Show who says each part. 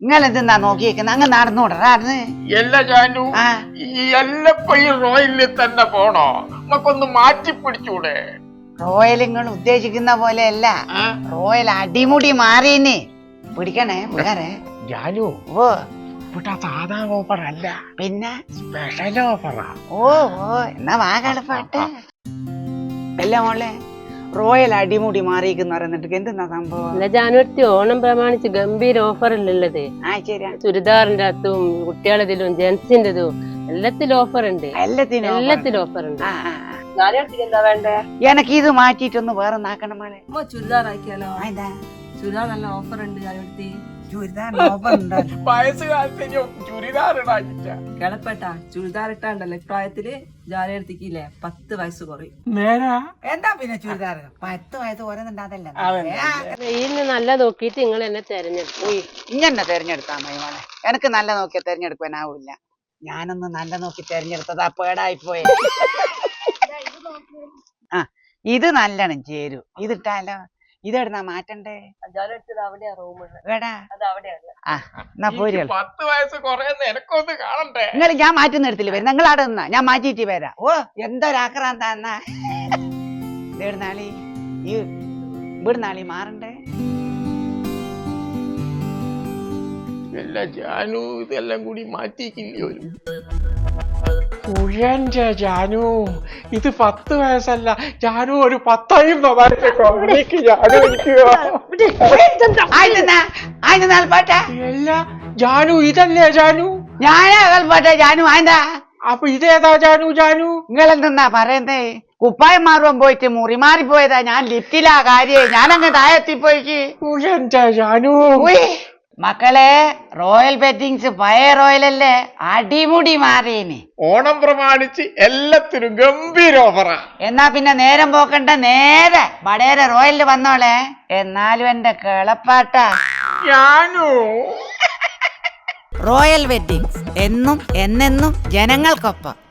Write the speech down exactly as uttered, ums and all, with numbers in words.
Speaker 1: നിങ്ങളെന്താ നോക്കിയേക്കുന്ന അങ്ങ് നടന്നോടറാന്ന്
Speaker 2: എല്ലാ ജാനു ഈ എല്ലപ്പോ ഈ റോയലിൽ തന്നെ പോണോ നമുക്കൊന്ന് മാറ്റി പിടിച്ചൂടെ?
Speaker 1: റോയൽ നിങ്ങൾ ഉദ്ദേശിക്കുന്ന പോലെയല്ല, റോയൽ അടിമുടി മാറിന് പിടിക്കണേ പിള്ളേരെ.
Speaker 2: ജാനു
Speaker 1: ഓ
Speaker 2: ഇവിടെ സാധാ ഓഫർ അല്ല,
Speaker 1: പിന്നെ
Speaker 2: സ്പെഷ്യൽ ഓഫറാ.
Speaker 1: ഓ ഓ എന്നാ വാ കളിപ്പാട്ട്. അല്ല മോളെ, റോയൽ അടിമുടി മാറിയെന്ന് പറയുന്നിട്ട് എന്തെന്നാ സംഭവം?
Speaker 3: അല്ല ജാനുവരി ഓണം പ്രമാണിച്ച് ഗംഭീര ഓഫർ അല്ലുള്ളത്.
Speaker 1: ആ ശരിയാ,
Speaker 3: ചുരിദാറിന്റെ അകത്തും കുട്ടികളതിലും ജെന്റ്സിന്റെതും എല്ലാത്തിലും ഓഫർ ഉണ്ട്.
Speaker 1: എല്ലാത്തിനും
Speaker 3: എല്ലാത്തിലും ഓഫർ ഉണ്ട്.
Speaker 4: എന്താ വേണ്ടേ?
Speaker 1: എനക്ക് ഇത് മാറ്റിട്ടൊന്ന് വേറെ നാക്കണം മോളെ.
Speaker 4: ചുരിദാർ ആക്കിയാലോ?
Speaker 1: എന്താ
Speaker 4: ചുരിദാർ നല്ല ഓഫർ ഉണ്ട്. ജാനുവരി
Speaker 1: ചുരിദാർ ഓഫർ ഉണ്ടോ?
Speaker 2: വയസ്സുകാലത്ത് ചുരിദാർ
Speaker 4: കിളപ്പെട്ട ചുരിദാർ ഇട്ടാണ്ടല്ലോ ഇപ്രായത്തില് ജാനുവരിക്കില്ലേ പത്ത് വയസ്സ് കുറയും.
Speaker 2: നേരാ?
Speaker 1: എന്താ പിന്നെ ചുരിദാർ പത്ത് വയസ്സ് ഓരോന്നുണ്ടാതല്ല.
Speaker 3: വെയിലിന് നല്ല നോക്കിയിട്ട് നിങ്ങൾ എന്നെ തെരഞ്ഞെടുക്കും.
Speaker 1: ഇങ്ങനെ തെരഞ്ഞെടുത്താ മതി മോളെ. എനിക്ക് നല്ല നോക്കിയാ തെരഞ്ഞെടുക്കാനാവൂല. ഞാനൊന്ന് നല്ല നോക്കി തെരഞ്ഞെടുത്തതാ പേടായി പോയി. ആ ഇത് നല്ലോണം ചേരൂ. ഇതിട്ടാലോ? ഇതെവിടുന്നാ മാറ്റണ്ടേ?
Speaker 2: പത്ത് വയസ്സ് കുറയുന്ന എനക്കൊന്ന് കാണണ്ടേ?
Speaker 1: നിങ്ങൾ ഞാൻ മാറ്റുന്ന എടുത്തില്ല വരും. നിങ്ങൾ അവിടെ നിന്നാ ഞാൻ മാറ്റിയിട്ട് വരാം. ഓ എന്തൊരാക്രാന്താ എന്നാ. ഇവിടുന്നാളി ഈ ഇവിടുന്നാളി മാറണ്ടേ?
Speaker 2: എല്ലാ ജാനു ഇതെല്ലാം കൂടി മാറ്റിക്കില്ലയോ? ഉഴന്റെ ജാനു ഇത് പത്ത് വയസ്സല്ല ജാനു, ഒരു പത്തായും എല്ലാ ജാനു ഇതല്ലേ ജാനു?
Speaker 1: ഞാനാ കളിപ്പാട്ടെ ജാനു. എന്താ
Speaker 2: അപ്പൊ ഇതേതാ ജാനു? ജാനു
Speaker 1: നിങ്ങളെന്തെന്നാ പറയുന്നേ? കുപ്പായം മാറുവാൻ പോയിട്ട് മുറി മാറിപ്പോയതാ. ഞാൻ ലിഫ്റ്റിലാ കാര്യം. ഞാനങ്ങ് താഴെത്തിപ്പോയിക്ക്.
Speaker 2: ഉഴന്റെ ജാനു
Speaker 1: മക്കളെ, റോയൽ ബെറ്റിങ്സ് പഴയ റോയലല്ലേ, അടിമുടി മാറിയേന്.
Speaker 2: ഓണം പ്രമാണിച്ച് എല്ലാത്തിനും ഗംഭീര ഓഫറാ.
Speaker 1: എന്നാ പിന്നെ നേരം പോക്കണ്ട, നേരെ വടേരെ റോയലിൽ വന്നോളെ. എന്നാലും എന്റെ കിളപ്പാട്ട
Speaker 2: ജാനു.
Speaker 1: റോയൽ വെഡിങ്സ് എന്നും എന്നെന്നും ജനങ്ങൾക്കൊപ്പം.